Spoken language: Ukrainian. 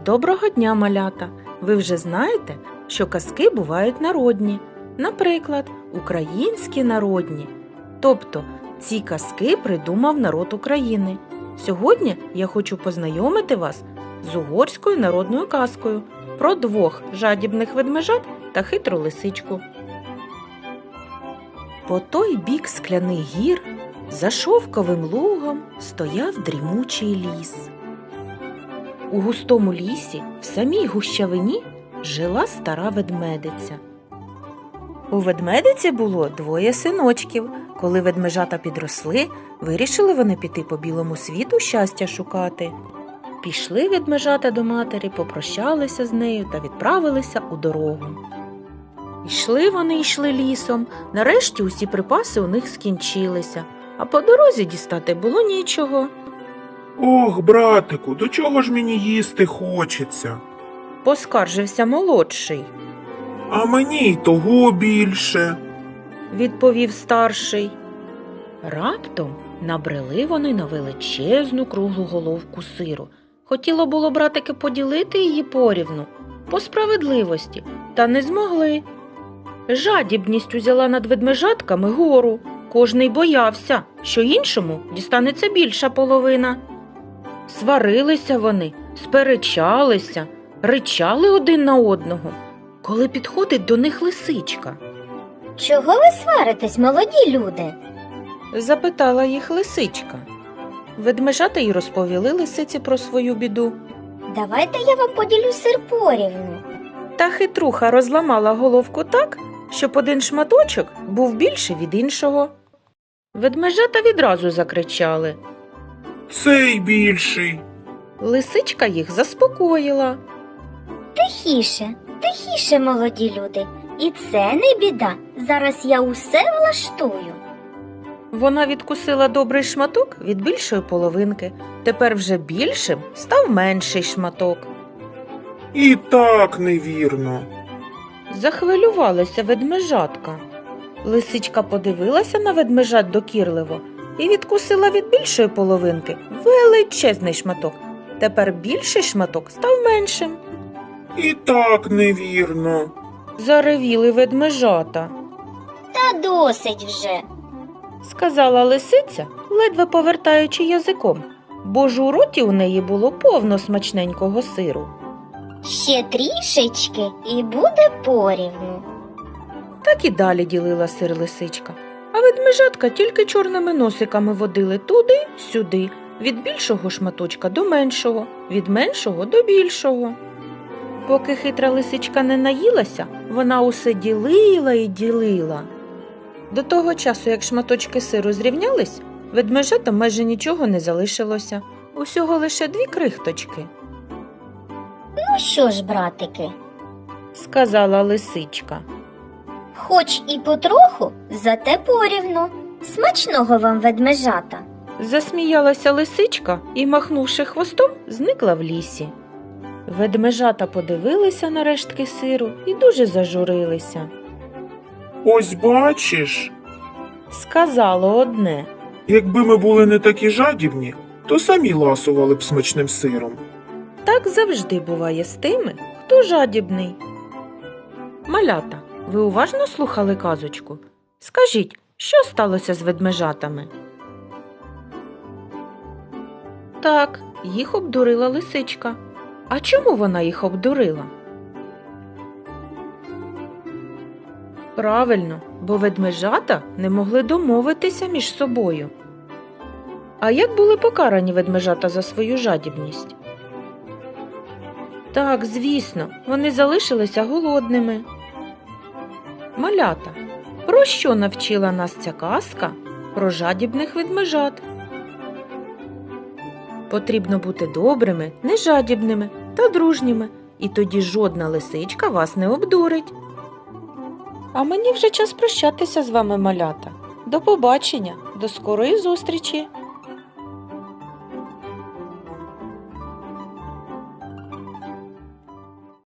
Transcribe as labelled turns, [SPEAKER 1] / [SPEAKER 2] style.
[SPEAKER 1] Доброго дня, малята! Ви вже знаєте, що казки бувають народні, наприклад, українські народні. Тобто, ці казки придумав народ України. Сьогодні я хочу познайомити вас з угорською народною казкою про двох жадібних ведмежат та хитру лисичку. По той бік скляних гір за шовковим лугом стояв дрімучий ліс. У густому лісі, в самій гущавині, жила стара ведмедиця. У ведмедиці було двоє синочків. Коли ведмежата підросли, вирішили вони піти по білому світу щастя шукати. Пішли ведмежата до матері, попрощалися з нею та відправилися у дорогу. Йшли лісом, нарешті усі припаси у них скінчилися, а по дорозі дістати було нічого.
[SPEAKER 2] Ох, братику, до чого ж мені їсти хочеться?
[SPEAKER 1] Поскаржився молодший.
[SPEAKER 2] А мені й того більше.
[SPEAKER 1] Відповів старший. Раптом набрели вони на величезну круглу головку сиру. Хотіло було братики поділити її порівну, по справедливості, та не змогли. Жадібність узяла над ведмежатками гору. Кожний боявся, що іншому дістанеться більша половина. Сварилися вони, сперечалися, ричали один на одного, коли підходить до них лисичка.
[SPEAKER 3] Чого ви сваритесь, молоді люди?
[SPEAKER 1] Запитала їх лисичка. Ведмежата й розповіли лисиці про свою біду.
[SPEAKER 3] Давайте я вам поділю сир порівну.
[SPEAKER 1] Та хитруха розламала головку так, щоб один шматочок був більший від іншого. Ведмежата відразу закричали.
[SPEAKER 2] Цей більший.
[SPEAKER 1] Лисичка їх заспокоїла.
[SPEAKER 3] Тихіше, тихіше, молоді люди. І це не біда. Зараз я усе влаштую.
[SPEAKER 1] Вона відкусила добрий шматок від більшої половинки. Тепер вже більшим став менший шматок.
[SPEAKER 2] І так невірно.
[SPEAKER 1] Захвилювалася ведмежатка. Лисичка подивилася на ведмежат докірливо і відкусила від більшої половинки величезний шматок. Тепер більший шматок став меншим.
[SPEAKER 2] І так невірно.
[SPEAKER 1] Заревіли ведмежата.
[SPEAKER 3] Та досить вже.
[SPEAKER 1] Сказала лисиця, ледве повертаючи язиком, бо ж у роті у неї було повно смачненького сиру.
[SPEAKER 3] Ще трішечки і буде порівну.
[SPEAKER 1] Так і далі ділила сир лисичка, а ведмежатка тільки чорними носиками водили туди-сюди, від більшого шматочка до меншого, від меншого до більшого. Поки хитра лисичка не наїлася, вона усе ділила і ділила. До того часу, як шматочки сиру зрівнялись, ведмежатам майже нічого не залишилося, усього лише 2 крихточки.
[SPEAKER 3] Ну що ж, братики,
[SPEAKER 1] Сказала лисичка.
[SPEAKER 3] хоч і потроху, зате порівну. Смачного вам, ведмежата.
[SPEAKER 1] Засміялася лисичка і, махнувши хвостом, зникла в лісі. Ведмежата подивилися на рештки сиру і дуже зажурилися.
[SPEAKER 2] Ось бачиш,
[SPEAKER 1] Сказало одне.
[SPEAKER 2] якби ми були не такі жадібні, то самі ласували б смачним сиром.
[SPEAKER 1] Так завжди буває з тими, хто жадібний. Малята, ви уважно слухали казочку? Скажіть, що сталося з ведмежатами? Так, їх обдурила лисичка. А чому вона їх обдурила? Правильно, бо ведмежата не могли домовитися між собою. А як були покарані ведмежата за свою жадібність? Так, звісно, вони залишилися голодними. Малята, про що навчила нас ця казка про жадібних ведмежат? Потрібно бути добрими, нежадібними та дружніми, і тоді жодна лисичка вас не обдурить. А мені вже час прощатися з вами, малята. До побачення, до скорої зустрічі!